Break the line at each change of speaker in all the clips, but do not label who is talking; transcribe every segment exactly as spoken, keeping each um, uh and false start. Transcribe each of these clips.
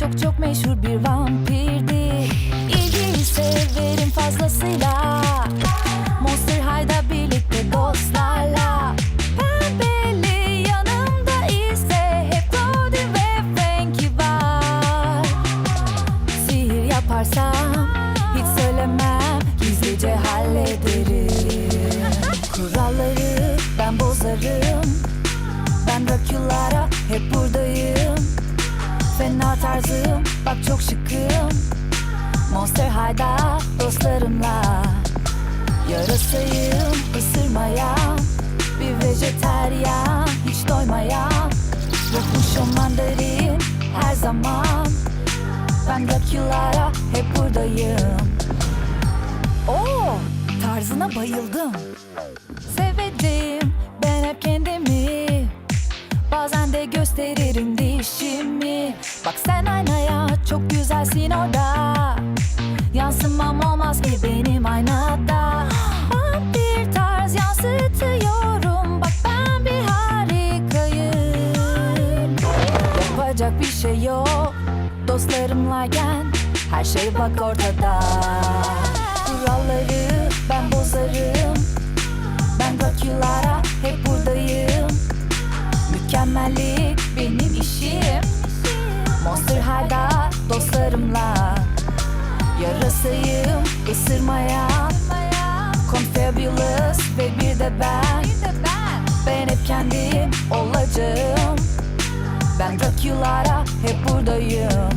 çok çok meşhur bir vampirdi. İlgiyi severim fazlasıyla. Monster High'da birlikte dostlarla. Pembeli yanımda ise hep Cody ve Frankie var. Sihir yaparsam hiç söylemem, gizlice hallederim. Kuralları ben bozarım. Ben Dracula'ra hep buradayım. Fena tarzım, bak çok şıkım. Monster High'da dostlarımla. Yarasayım, ısırmayan. Bir vejeteryan, hiç doymayan. Yokmuşum mandarin her zaman. Ben Dracula'ra hep buradayım. Oo, tarzına bayıldım. Sevdim ben hep kendimi. Bazen de gösteririm dişimi. Bak sen aynaya, çok güzelsin orada. Yansımam olmaz ki benim aynada. Bir tarz yansıtıyorum. Bak ben bir harikayım. Yapacak bir şey yok dostlarımlayken. Her şey bak ortada. Kuralları ben bozarım. Ben Dracula'ra hep buradayım. Mükemmellik benim işim. Monster High'da dostlarımla. Yarasayım, ısırmayan. Confabulous ve bir de ben. Ben hep kendim olacağım. Ben Dracula'ra hep buradayım.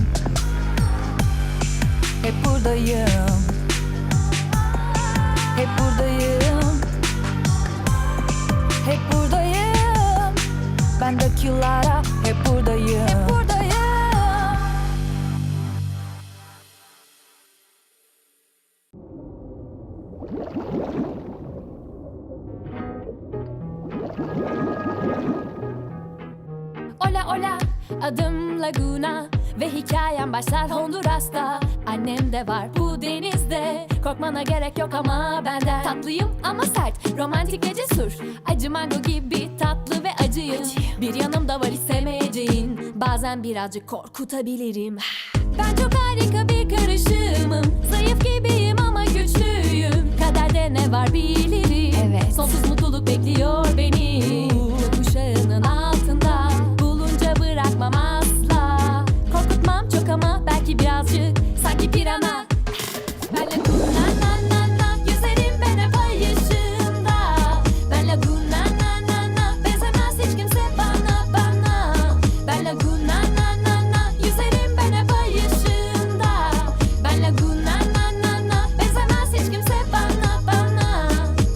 Hep buradayım. Hep buradayım. Hep buradayım. Ben Dracula'ra hep buradayım. Hep buradayım.
Ola ola, adım Laguna ve hikayem başlar Honduras'ta. Annem de var bu denizde, korkmana gerek yok ama benden. Tatlıyım ama sert, romantik ve cesur. Acı mango gibi tatlı ve acıyım. Bir yanım da var istemeyeceğin, bazen birazcık korkutabilirim. Ben çok harika bir karışımım. Zayıf gibiyim ama güçlüyüm. Kaderde ne var bilirim.
Evet.
Sonsuz mutluluk bekliyor beni. Kuşağının altında bulunca bırakmam asla. Korkutmam çok ama belki birazcık. Sanki pirana. Ben Laguna na na na, yüzerim ben hep ay ışığında. Ben Laguna na na na, benzemez hiç kimse bana bana. Ben Laguna na na na, yüzerim ben hep ay ışığında. Ben Laguna na na na, benzemez hiç kimse bana bana.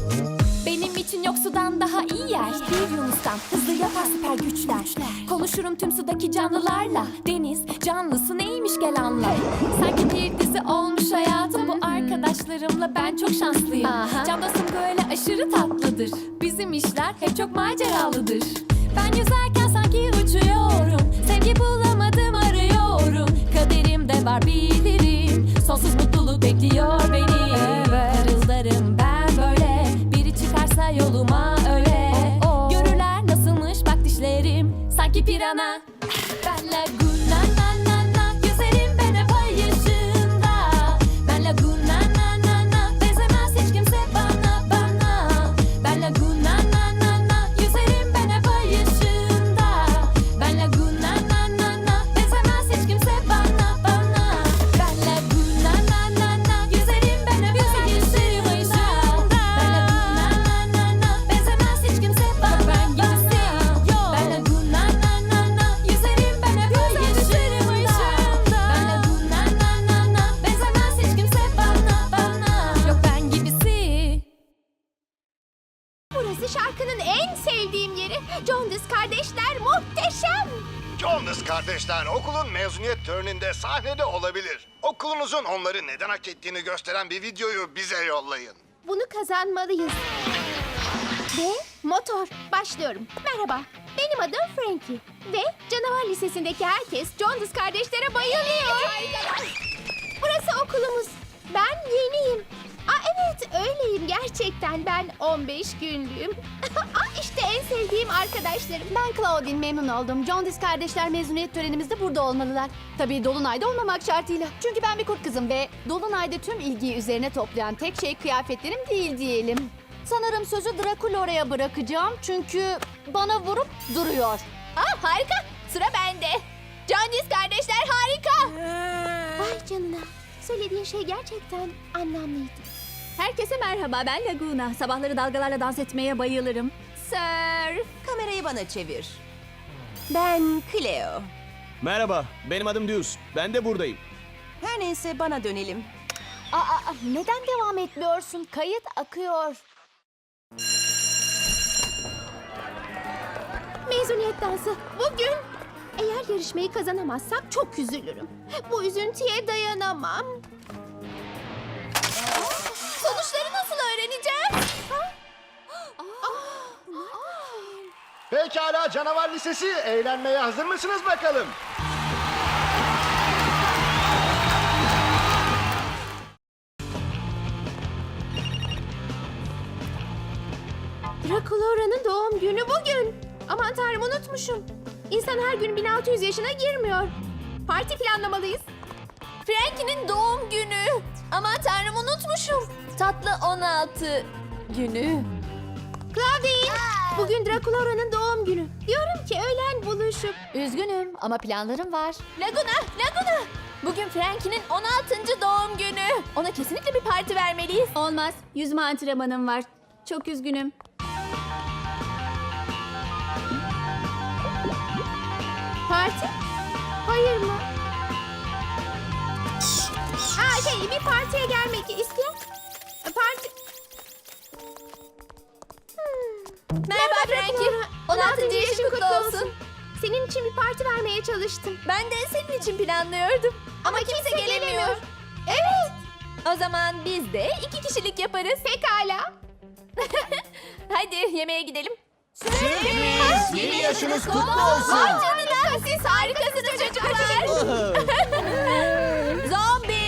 Benim için yok sudan daha iyi yer. Bir yunustan hızlı yapar süper güçler. Konuşurum tüm sudaki canlılarla. Deniz canlısı neymiş gel anla. Sanki bir dizi olmuş hayatım. Bu arkadaşlarımla ben çok şanslıyım.
Aha.
Can dostum böyle aşırı tatlıdır. Bizim işler hep çok maceralıdır. Ben yüzerken sanki uçuyorum. Sevgi bulamadım arıyorum. Kaderimde var bilirim. Sonsuz mutluluk bekliyor beni.
Evet.
Parıldarım ben böyle. Biri çıkarsa yoluma öyle.
Oh, oh.
Görürler nasılmış bak dişlerim. Sanki pirana. Ben Laguna na na na, yüzerim ben hep ay ışığında. Ben Laguna na na na, benzemez hiç kimse bana bana. Ben Laguna na na na, yüzerim ben hep ay ışığında. Ben Laguna na na na, benzemez hiç kimse bana bana. Ben Laguna na na na, yüzerim ben hep ay ışığında. Ben Laguna na na na, benzemez hiç kimse bana bana. Ben Laguna na na na, yüzerim ben hep ay ışığında. Ben Laguna na na na, benzemez hiç kimse bana bana. Yok ben gibisi.
Burası şarkının en sevdiğim yeri. Jonas kardeşler muhteşem.
Jonas kardeşler okulun mezuniyet töreninde sahnede olabilir. Okulunuzun onları neden hak ettiğini gösteren bir videoyu bize yollayın.
Bunu kazanmalıyız. Ve motor. Başlıyorum. Merhaba. Benim adım Frankie. Ve canavar lisesindeki herkes Jonas kardeşlere bayılıyor. Burası okulumuz. Ben yeniyim. Aa, evet öyleyim gerçekten. Ben on beş günlüğüm. Aa, işte en sevdiğim arkadaşlarım.
Ben Claudine, memnun oldum. Jones kardeşler mezuniyet törenimizde burada olmalılar. Tabii Dolunay'da olmamak şartıyla. Çünkü ben bir kurt kızım ve Dolunay'da tüm ilgiyi üzerine toplayan tek şey kıyafetlerim değil diyelim. Sanırım sözü Draculora'ya bırakacağım çünkü bana vurup duruyor.
Aa, harika. Sıra bende. Jones kardeşler harika. Vay canına. Söylediğin şey gerçekten anlamlıydı.
Herkese merhaba, ben Laguna. Sabahları dalgalarla dans etmeye bayılırım. Sir.
Kamerayı bana çevir. Ben Cleo.
Merhaba, benim adım Deuce. Ben de buradayım.
Her neyse bana dönelim.
Aa, aa, neden devam etmiyorsun? Kayıt akıyor.
Mezuniyet dansı bugün. Eğer yarışmayı kazanamazsak çok üzülürüm. Bu üzüntüye dayanamam. Sonuçları nasıl öğreneceğim?
Pekala canavar lisesi, eğlenmeye hazır mısınız bakalım?
Draculora'nın doğum günü bugün. Aman tanrım, unutmuşum. İnsan her gün bin altı yüz yaşına girmiyor. Parti planlamalıyız. Frankie'nin doğum günü. Aman tanrım, unutmuşum. Tatlı on altı günü. Claudine, bugün Draculora'nın doğum günü. Diyorum ki öğlen buluşup.
Üzgünüm ama planlarım var.
Laguna, Laguna. Bugün Frankie'nin on altıncı doğum günü. Ona kesinlikle bir parti vermeliyiz.
Olmaz. Yüzme antrenmanım var. Çok üzgünüm.
Parti? Hayır mı? Aa, şey, bir partiye gelmek isteyen... Parti... Hmm. Merhaba Frankie. on altıncı yaşın kutlu olsun. Senin için bir parti vermeye çalıştım. Ben de senin için planlıyordum. Ama, kimse, gelemiyor. Evet. O zaman biz de iki kişilik yaparız. Pekala. Hadi yemeğe gidelim. Sürpriz!
Yeni yaşınız kutlu olsun.
Vay canına, siz harikasınız çocuklar. Zombi!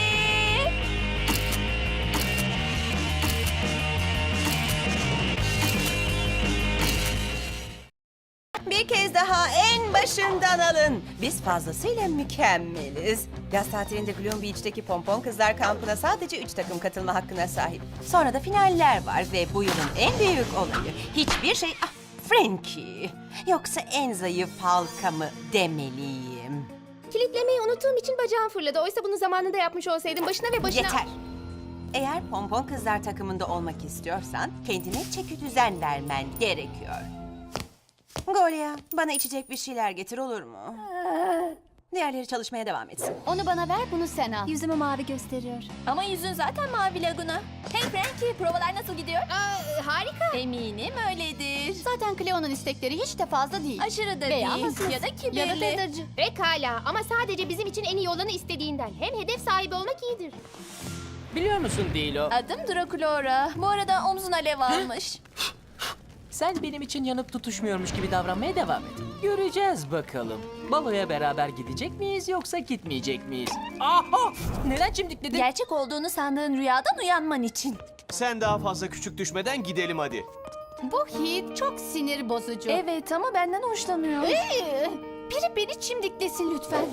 Bir kez daha en başından alın. Biz fazlasıyla mükemmeliz. Yaz tatilinde Gloom Beach'teki Pompon Kızlar kampına sadece üç takım katılma hakkına sahip. Sonra da finaller var ve bu yılın en büyük olayı. Hiçbir şey... Ah, Frankie. Yoksa en zayıf halka mı demeliyim?
Kilitlemeyi unuttuğum için bacağım fırladı. Oysa bunu zamanında yapmış olsaydım başına ve başına...
Yeter. Eğer Pompon Kızlar takımında olmak istiyorsan kendine çeki düzen vermen gerekiyor. Golia, bana içecek bir şeyler getir, olur mu? Diğerleri çalışmaya devam etsin.
Onu bana ver, bunu sen al. Yüzümü mavi gösteriyor.
Ama yüzün zaten mavi Laguna. Hey Frankie, provalar nasıl gidiyor? Harika. Eminim öyledir.
Zaten Cleo'nun istekleri hiç de fazla değil.
Aşırı da
Veya
değil
hassas.
ya da kibirli.
Ya da tedırcı.
Pekala ama sadece bizim için en iyi olanı istediğinden. Hem hedef sahibi olmak iyidir.
Biliyor musun Dilo?
Adım Draculora. Bu arada omzun alev almış.
Sen benim için yanıp tutuşmuyormuş gibi davranmaya devam et. Göreceğiz bakalım. Baloya beraber gidecek miyiz yoksa gitmeyecek miyiz? Aha! Neden çimdikledin?
Gerçek olduğunu sandığın rüyadan uyanman için.
Sen daha fazla küçük düşmeden gidelim hadi.
Bu hit çok sinir bozucu.
Evet ama benden hoşlanıyor.
Ee, biri beni çimdiklesin lütfen.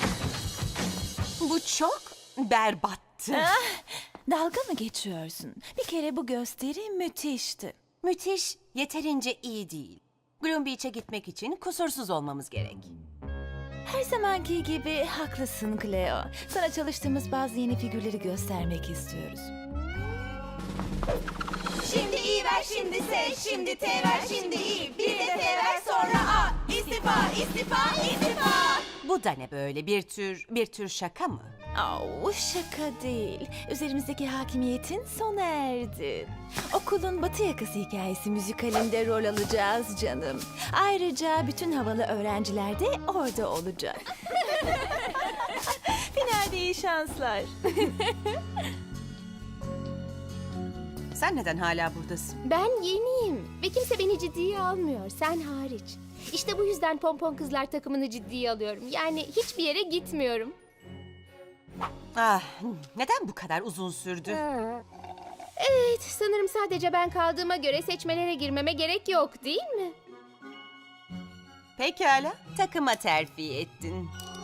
Bu çok berbattı.
Dalga mı geçiyorsun? Bir kere bu gösteri müthişti.
Müthiş, yeterince iyi değil. Gloom Beach'e gitmek için kusursuz olmamız gerek.
Her zamanki gibi haklısın Cleo. Sana çalıştığımız bazı yeni figürleri göstermek istiyoruz.
Şimdi iyi ver, şimdi S, şimdi T ver, şimdi İ, bir de T ver, sonra A. İstifa, istifa, istifa. Bu da ne böyle, bir tür, bir tür şaka mı?
Au, şaka değil. Üzerimizdeki hakimiyetin sona erdi. Okulun Batı Yakası hikayesi müzikalinde rol alacağız canım. Ayrıca bütün havalı öğrenciler de orada olacak. Finalde iyi şanslar.
Sen neden hala buradasın?
Ben yeniyim ve kimse beni ciddiye almıyor, sen hariç. İşte bu yüzden Pompon Kızlar takımını ciddiye alıyorum. Yani hiçbir yere gitmiyorum.
Ah, neden bu kadar uzun sürdü?
Evet, Evet, sanırım sadece ben kaldığıma göre seçmelere girmeme gerek yok, değil mi?
Pekala, takıma terfi ettin.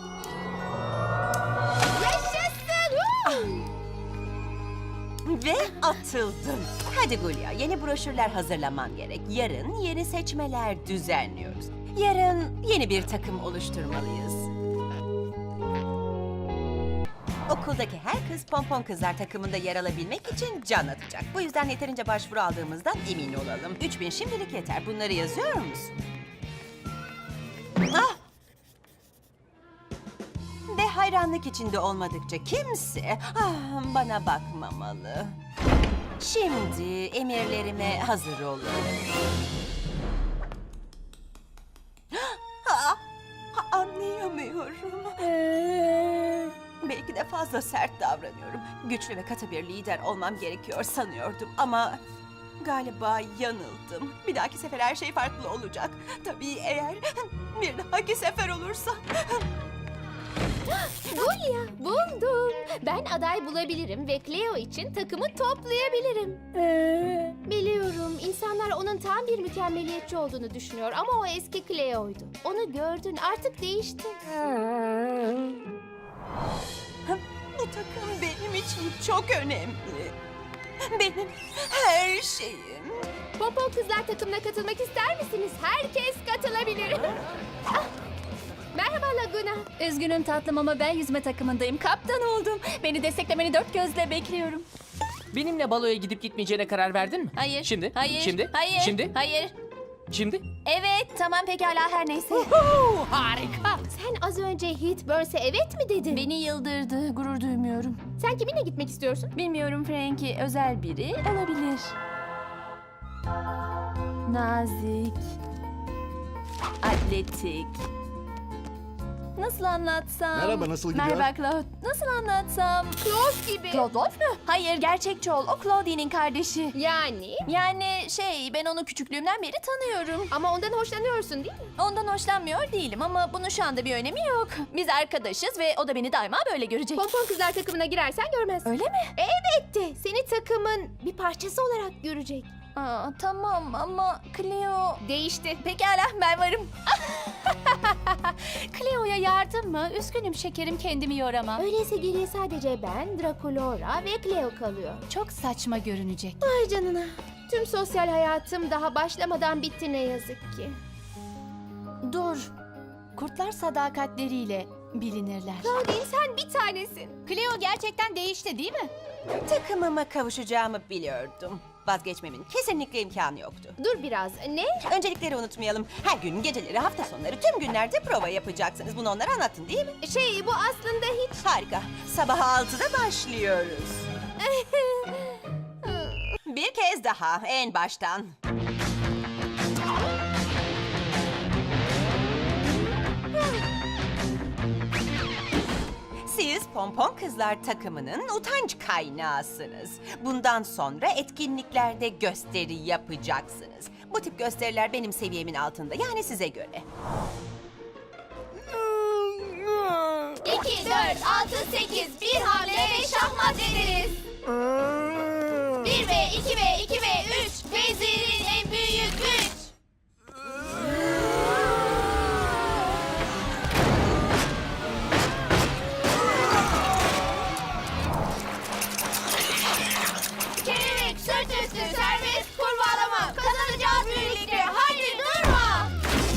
Yaşasın!
Ve atıldın. Hadi Gulya, yeni broşürler hazırlaman gerek. Yarın yeni seçmeler düzenliyoruz. Yarın yeni bir takım oluşturmalıyız. Okuldaki her kız Pompon Kızlar takımında yer alabilmek için can atacak. Bu yüzden yeterince başvuru aldığımızdan emin olalım. Üç bin şimdilik yeter. Bunları yazıyor musun? Ah! Ve hayranlık içinde olmadıkça kimse ah, bana bakmamalı. Şimdi emirlerime hazır olun. Ah, ah, anlayamıyorum. Belki de fazla sert davranıyorum. Güçlü ve katı bir lider olmam gerekiyor sanıyordum ama galiba yanıldım. Bir dahaki sefer her şey farklı olacak. Tabii eğer bir dahaki sefer olursa.
Gulya, buldum. Ben aday bulabilirim ve Cleo için takımı toplayabilirim. Biliyorum, insanlar onun tam bir mükemmeliyetçi olduğunu düşünüyor ama o eski Cleo'ydu. Onu gördün, artık değişti.
Bu takım benim için çok önemli. Benim her şeyim.
Pompon Kızlar takımına katılmak ister misiniz? Herkes katılabilir. Ah! Merhaba Laguna.
Üzgünüm tatlım ama ben yüzme takımındayım. Kaptan oldum. Beni desteklemeni dört gözle bekliyorum.
Benimle baloya gidip gitmeyeceğine karar verdin mi?
Hayır.
Şimdi?
Hayır.
Şimdi?
Hayır.
Şimdi?
Hayır.
Şimdi?
Evet, tamam pekala her neyse.
Huu, harika.
Sen az önce Heat Burns'e evet mi dedin?
Beni yıldırdı, gurur duymuyorum.
Sen kiminle gitmek istiyorsun?
Bilmiyorum Frankie, özel biri olabilir. Nazik. Atletik. Nasıl anlatsam?
Merhaba, nasıl gidiyor?
Merhaba Claude. Nasıl anlatsam?
Claude gibi.
Claude Wolf mu? Hayır, gerçekçi ol. O Claudie'nin kardeşi.
Yani?
Yani şey, ben onu küçüklüğümden beri tanıyorum.
Ama ondan hoşlanıyorsun değil mi?
Ondan hoşlanmıyor değilim ama bunun şu anda bir önemi yok. Biz arkadaşız ve o da beni daima böyle görecek.
Pompon Kızlar takımına girersen görmez.
Öyle mi?
Elbette. Seni takımın bir parçası olarak görecek.
Aa, tamam ama Cleo...
Değişti.
Pekala, ben varım. Cleo'ya yardım mı? Üzgünüm şekerim, kendimi yoramam.
Öyleyse geriye sadece ben, Draculora ve Cleo kalıyor.
Çok saçma görünecek.
Ay canına. Tüm sosyal hayatım daha başlamadan bitti ne yazık ki.
Dur. Kurtlar sadakatleriyle bilinirler.
Claudine sen bir tanesin.
Cleo gerçekten değişti değil mi?
Takımıma kavuşacağımı biliyordum. Vazgeçmemin kesinlikle imkanı yoktu.
Dur biraz. Ne?
Öncelikleri unutmayalım. Her gün, geceleri, hafta sonları, tüm günlerde prova yapacaksınız. Bunu onlara anlattın değil mi?
Şey bu aslında hiç...
Harika. Sabah altıda başlıyoruz. Bir kez daha en baştan. Siz Pompon Kızlar takımının utanç kaynağısınız. Bundan sonra etkinliklerde gösteri yapacaksınız. Bu tip gösteriler benim seviyemin altında, yani size göre.
İki, dört, altı, sekiz. Bir hamle ve şahmat ederiz. Bir ve iki ve iki ve üç. Vezirin en büyük güç. Kelebek, sırt üstü, serbest, kurbağalama. Kazanacağız birlikte. Hadi durma.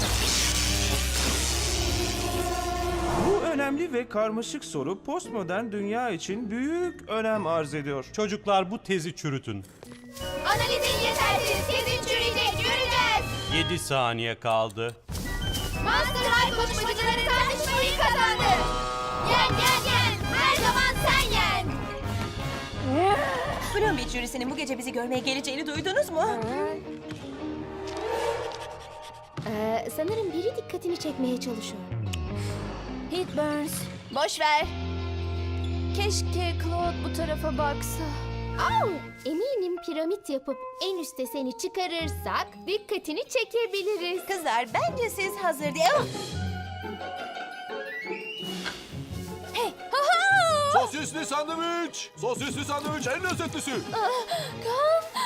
Bu önemli ve karmaşık soru postmodern dünya için büyük önem arz ediyor.
Çocuklar bu tezi çürütün.
Analizin yetersiz. Tezin çürüyecek. Göreceğiz.
yedi saniye kaldı.
Monster High koşmacıları tartışmayı kazandı. Yen yen yen. Her zaman sen yen.
Bloom Beach jürisinin bu gece bizi görmeye geleceğini duydunuz mu?
Ee, sanırım biri dikkatini çekmeye çalışıyor.
Heat Burns, boş ver. Keşke Claude bu tarafa baksa.
Au, eminim piramit yapıp en üste seni çıkarırsak dikkatini çekebiliriz.
Kızlar, bence siz hazır değil. Oh!
Hey, ha ha!
Sosisli sandviç! Sosisli sandviç en lezzetlisi!
Kan,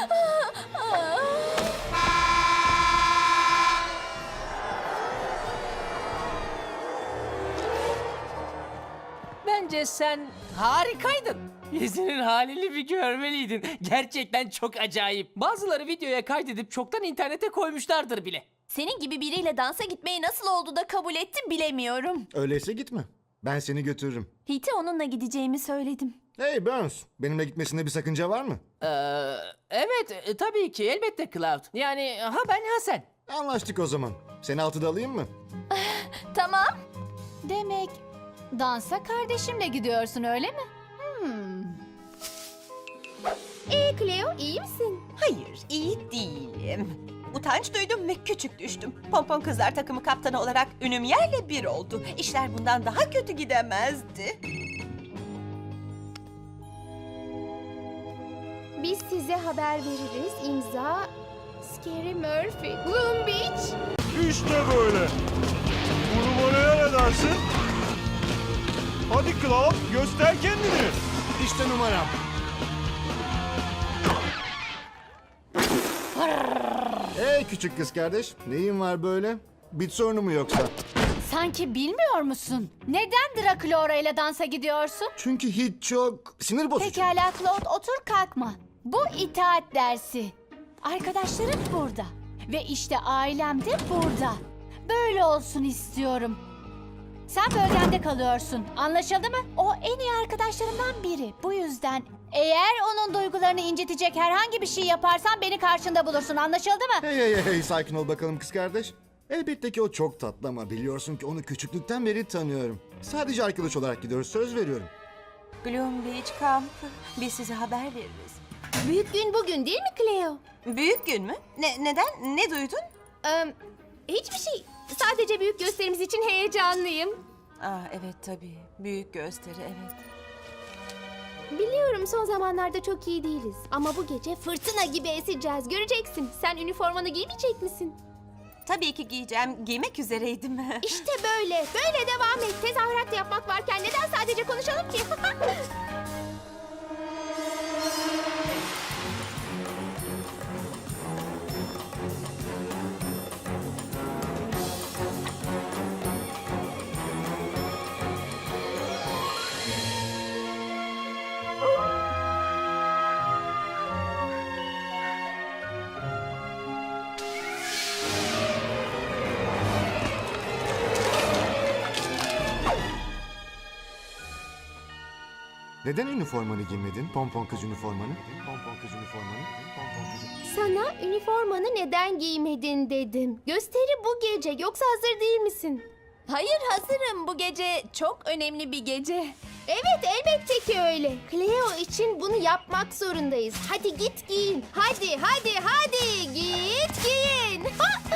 Bence sen harikaydın. Yüzünün halini bir görmeliydin. Gerçekten çok acayip. Bazıları videoya kaydedip çoktan internete koymuşlardır bile.
Senin gibi biriyle dansa gitmeyi nasıl oldu da kabul etti bilemiyorum.
Öyleyse gitme. Ben seni götürürüm.
Hite onunla gideceğimi söyledim.
Hey Burns, benimle gitmesinde bir sakınca var mı?
Ee, evet e, tabii ki elbette Cloud. Yani ha ben ha sen.
Anlaştık o zaman. Seni altıda alayım mı?
Tamam.
Demek dansa kardeşimle gidiyorsun öyle mi? Hmm.
Ee Cleo iyi misin?
Hayır, iyi değilim. Utanç duydum ve küçük düştüm. Pompon Kızlar takımı kaptanı olarak ünüm yerle bir oldu. İşler bundan daha kötü gidemezdi.
Biz size haber veririz. İmza Scary Murphy. Gloom Beach.
İşte böyle. Bu numaraya ne dersin? Hadi Cloud, göster kendini.
İşte numaram. Hey küçük kız kardeş, neyin var böyle? Bit sorunu mu yoksa?
Sanki bilmiyor musun? Neden Draculaura ile dansa gidiyorsun?
Çünkü hiç çok sinir bozucu.
Pekala Claude, otur kalkma. Bu itaat dersi. Arkadaşlarım burada. Ve işte ailem de burada. Böyle olsun istiyorum. Sen bölgende kalıyorsun. Anlaşıldı mı? O en iyi arkadaşlarımdan biri. Bu yüzden eğer onun duygularını incitecek herhangi bir şey yaparsan beni karşında bulursun. Anlaşıldı mı?
Hey hey hey, hey sakin ol bakalım kız kardeş. Elbette ki o çok tatlı ama biliyorsun ki onu küçüklükten beri tanıyorum. Sadece arkadaş olarak gidiyoruz, söz veriyorum.
Gloom Beach kampı. Biz size haber veririz.
Büyük gün bugün değil mi Cleo?
Büyük gün mü? Ne, neden? Ne duydun?
Ee, hiçbir şey. Sadece büyük gösterimiz için heyecanlıyım.
Ah evet tabii. Büyük gösteri evet.
Biliyorum son zamanlarda çok iyi değiliz. Ama bu gece fırtına gibi eseceğiz. Göreceksin. Sen üniformanı giymeyecek misin?
Tabii ki giyeceğim. Giymek üzereydim.
İşte böyle. Böyle devam et. Tezahürat da yapmak varken neden sadece konuşalım ki?
Neden üniformanı giymedin? Pompon kız üniformanı. Pompon kız üniformanı. Pompon kız.
Sana üniformanı neden giymedin dedim. Gösteri bu gece. Yoksa hazır değil misin? Hayır hazırım. Bu gece çok önemli bir gece. Evet elbette ki öyle. Cleo için bunu yapmak zorundayız. Hadi git giyin. Hadi hadi hadi git giyin.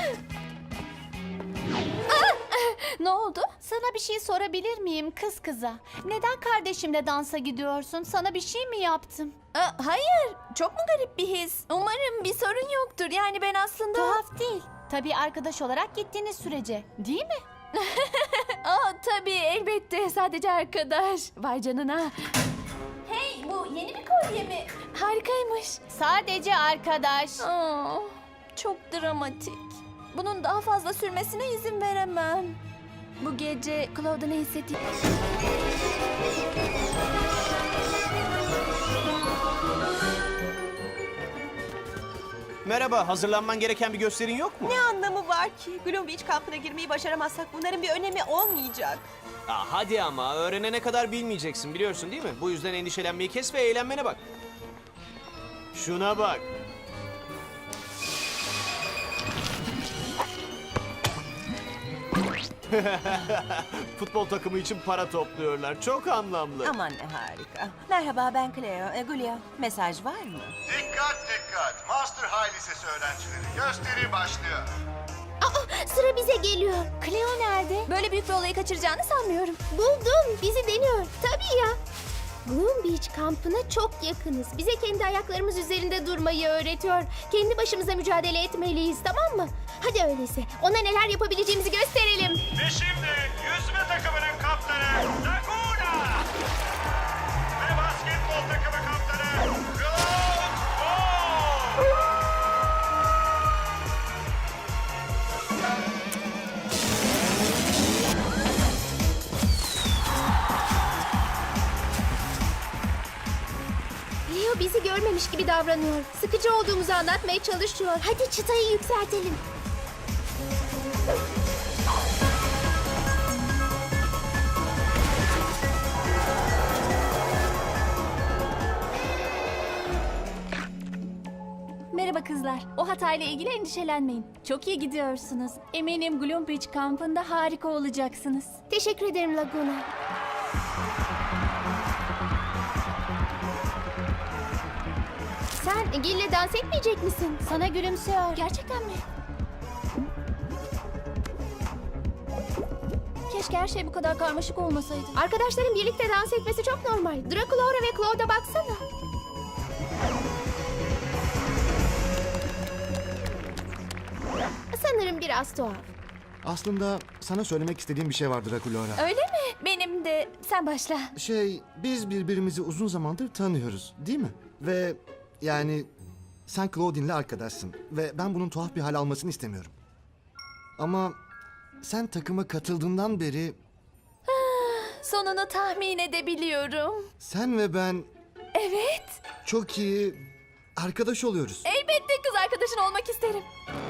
Ne oldu?
Sana bir şey sorabilir miyim kız kıza? Neden kardeşimle dansa gidiyorsun? Sana bir şey mi yaptım?
Aa, hayır. Çok mu garip bir his? Umarım bir sorun yoktur. Yani ben aslında...
Tuhaf değil. Tabii arkadaş olarak gittiğiniz sürece. Değil mi?
Aa, tabii elbette. Sadece arkadaş. Vay canına. Hey bu yeni bir kolye mi? Harikaymış.
Sadece arkadaş.
Aa, çok dramatik. Bunun daha fazla sürmesine izin veremem. Bu gece Claude'a ne hissettiğini...
Merhaba, hazırlanman gereken bir gösterin yok mu?
Ne anlamı var ki? Gloom Beach kampına girmeyi başaramazsak bunların bir önemi olmayacak.
Aa, hadi ama, öğrenene kadar bilmeyeceksin biliyorsun değil mi? Bu yüzden endişelenmeyi kes ve eğlenmene bak. Şuna bak. Futbol takımı için para topluyorlar. Çok anlamlı.
Aman ne harika. Merhaba ben Cleo. E, Gulya, mesaj var mı?
Dikkat dikkat. Master High Lisesi öğrencileri. Gösteri başlıyor.
Aa, sıra bize geliyor.
Cleo nerede?
Böyle büyük bir olayı kaçıracağını sanmıyorum. Buldum. Bizi deniyor. Tabii ya. Gloom Beach kampına çok yakınız. Bize kendi ayaklarımız üzerinde durmayı öğretiyor. Kendi başımıza mücadele etmeliyiz, tamam mı? Hadi öyleyse ona neler yapabileceğimizi gösterelim.
Ve şimdi yüzme takımının kaptanı Laguna. Ve basketbol takımı kaptanı Cloud Ball.
değilmiş gibi davranıyor. Sıkıcı olduğumuzu anlatmaya çalışıyor. Hadi çıtayı yükseltelim.
Merhaba kızlar. O hatayla ilgili endişelenmeyin. Çok iyi gidiyorsunuz. Eminim Gloom Beach kampında harika olacaksınız.
Teşekkür ederim Laguna. Sen Gil'le dans etmeyecek misin?
Sana gülümsüyor.
Gerçekten mi? Keşke her şey bu kadar karmaşık olmasaydı.
Arkadaşların birlikte dans etmesi çok normal. Draculaura ve Claude'a baksana. Sanırım biraz tuhaf.
Aslında sana söylemek istediğim bir şey vardır Draculora.
Öyle mi? Benim de. Sen başla.
Şey, biz birbirimizi uzun zamandır tanıyoruz, değil mi? Ve yani sen Claudine'le arkadaşsın ve ben bunun tuhaf bir hal almasını istemiyorum. Ama sen takıma katıldığından beri
Sonunu tahmin edebiliyorum.
sen ve ben
Evet.
çok iyi arkadaş oluyoruz.
Elbette kız arkadaşın olmak isterim.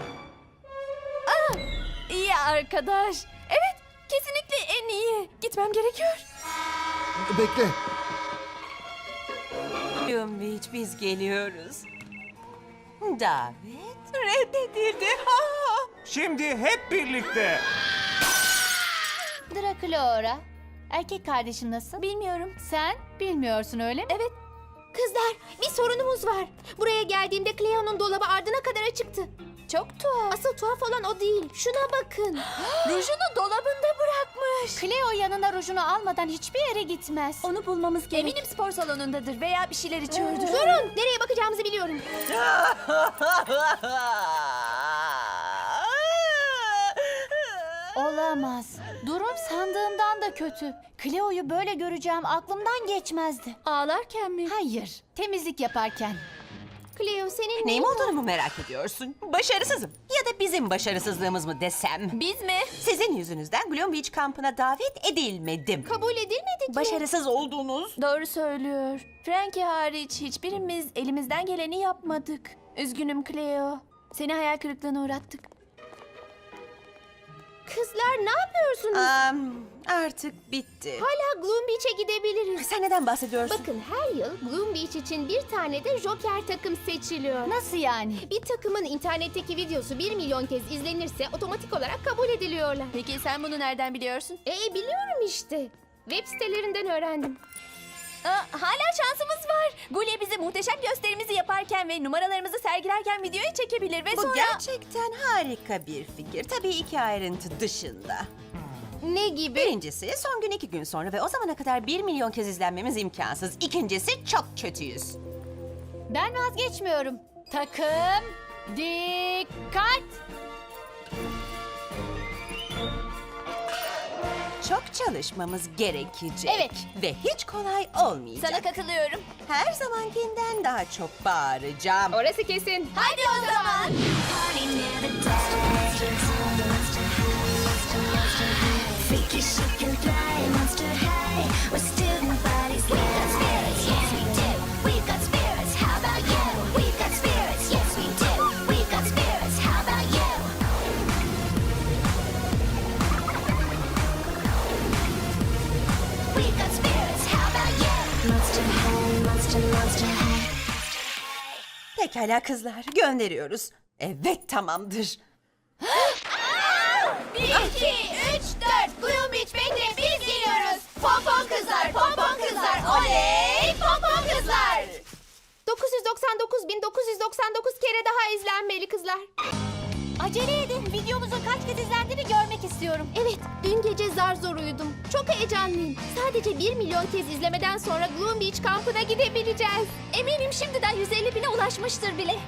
Ah, iyi arkadaş. Evet, kesinlikle en iyi. Gitmem gerekiyor.
Bekle.
Gloom Beach, biz geliyoruz. Davet reddedildi. Ha!
Şimdi hep birlikte.
Draculaura, erkek kardeşin nasıl?
Bilmiyorum.
Sen bilmiyorsun öyle mi?
Evet. Kızlar, bir sorunumuz var. Buraya geldiğimde Cleo'nun dolabı ardına kadar açıktı.
Çok tuhaf.
Asıl tuhaf olan o değil. Şuna bakın.
Rujunu dolabında bırakmış.
Cleo yanına rujunu almadan hiçbir yere gitmez.
Onu bulmamız gerek. Eminim spor salonundadır veya bir şeyler içiyordur.
Durun, nereye bakacağımızı biliyorum.
Olamaz. Durum sandığımdan da kötü. Cleo'yu böyle göreceğim aklımdan geçmezdi.
Ağlarken mi?
Hayır, temizlik yaparken.
Cleo, senin
Neyim olduğunu mu merak ediyorsun? Başarısızım. Ya da bizim başarısızlığımız mı desem?
Biz mi?
Sizin yüzünüzden Gloom Beach kampına davet edilmedim.
kabul edilmedi ki.
Başarısız oldunuz.
Doğru söylüyor. Frankie hariç hiçbirimiz elimizden geleni yapmadık. Üzgünüm Cleo. Seni hayal kırıklığına uğrattık.
Kızlar ne yapıyorsunuz?
Am, artık bitti.
Hala Gloom Beach'e gidebiliriz.
Sen neden bahsediyorsun?
Bakın her yıl Gloom Beach için bir tane de Joker takım seçiliyor.
Nasıl yani?
Bir takımın internetteki videosu bir milyon kez izlenirse otomatik olarak kabul ediliyorlar.
Peki sen bunu nereden biliyorsun?
E biliyorum işte. Web sitelerinden öğrendim.
Aa, hala şansımız var. Gulya bize muhteşem gösterimizi yaparken ve numaralarımızı sergilerken videoya çekebilir ve
Bu
sonra...
gerçekten harika bir fikir. Tabii iki ayrıntı dışında.
Ne gibi?
Birincisi son gün iki gün sonra ve o zamana kadar bir milyon kez izlenmemiz imkansız. İkincisi çok kötüyüz.
Ben vazgeçmiyorum. Takım, dikkat!
Çok çalışmamız gerekecek.
Evet.
Ve hiç kolay olmayacak.
Sana katılıyorum.
Her zamankinden daha çok bağıracağım.
Orası kesin.
Hadi o zaman.
Pekala kızlar, gönderiyoruz. Evet, tamamdır.
Bir, iki, üç, dört. Gloom Beach bekle, biz geliyoruz. Pompon kızlar, pompon kızlar. Oley, pompon kızlar. dokuz yüz doksan dokuz bin dokuz yüz doksan dokuz kere daha izlenmeli kızlar.
Acele edin. Videomuzun kaç kez izlendiğini görmek istiyorum.
Evet, dün gece zar zor uyudum. Çok heyecanlıyım. Sadece bir milyon kez izlemeden sonra Gloom Beach kampına gidebileceğiz.
Eminim şimdiden yüz elli bine ulaşmıştır bile.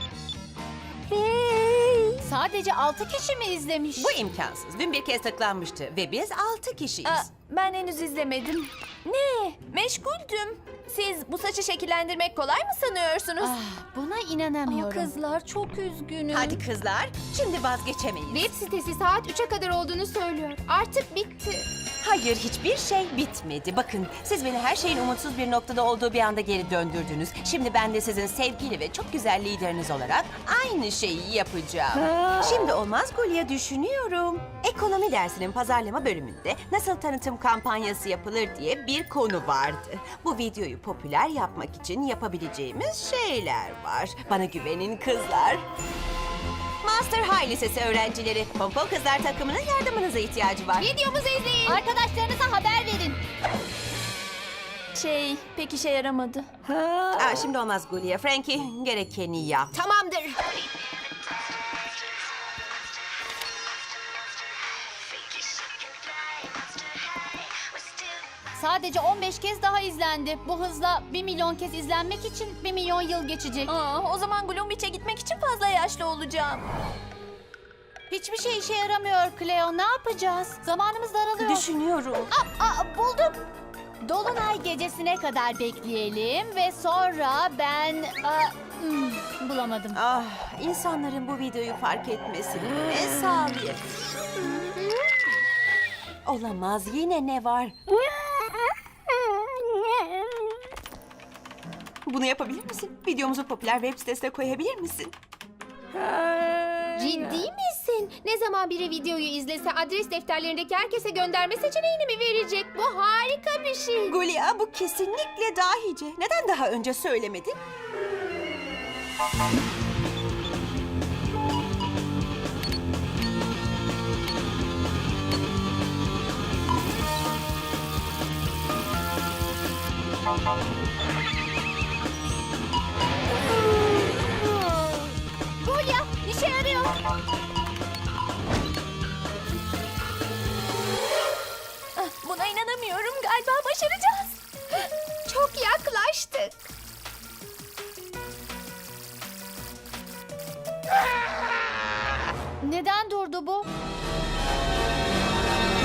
Sadece altı kişi mi izlemiş?
Bu imkansız. Dün bir kez tıklanmıştı ve biz altı kişiyiz.
Aa, ben henüz izlemedim. Ne? Meşguldüm. Siz bu saçı şekillendirmek kolay mı sanıyorsunuz?
Ah, buna
Aa,
inanamıyorum.
kızlar çok üzgünüm.
Hadi kızlar, şimdi vazgeçemeyiz.
Web sitesi saat üçe kadar olduğunu söylüyor. Artık bitti.
Hayır, hiçbir şey bitmedi. Bakın, siz beni her şeyin umutsuz bir noktada olduğu bir anda geri döndürdünüz. Şimdi ben de sizin sevgili ve çok güzel lideriniz olarak aynı şeyi yapacağım. Şimdi olmaz Gulya, düşünüyorum. Ekonomi dersinin pazarlama bölümünde nasıl tanıtım kampanyası yapılır diye bir konu vardı. Bu videoyu popüler yapmak için yapabileceğimiz şeyler var. Bana güvenin kızlar. Master High Lisesi öğrencileri, Pompon Kızlar takımının yardımınıza ihtiyacı var.
Videomuzu izleyin. Arkadaşlarınıza haber verin.
Şey, pek işe yaramadı.
Aa, şimdi olmaz Gulya. Frankie, gerekeni yap.
Tamamdır.
Sadece on beş kez daha izlendi. Bu hızla bir milyon kez izlenmek için bir milyon yıl geçecek.
Aa, o zaman Gloom Beach'e gitmek için fazla yaşlı olacağım.
Hiçbir şey işe yaramıyor Cleo. Ne yapacağız? Zamanımız daralıyor.
Düşünüyorum.
Aa, aa, buldum. Dolunay gecesine kadar bekleyelim ve sonra ben... Aa, hmm, bulamadım.
Ah, insanların bu videoyu fark etmesini ne sağlayayım? Olamaz, yine ne var? Bunu yapabilir misin? Videomuzu popüler web sitesine koyabilir misin?
Ciddi misin? Ne zaman biri videoyu izlese adres defterlerindeki herkese gönderme seçeneğini mi verecek? Bu harika bir şey.
Gulya, bu kesinlikle dahice. Neden daha önce söylemedin?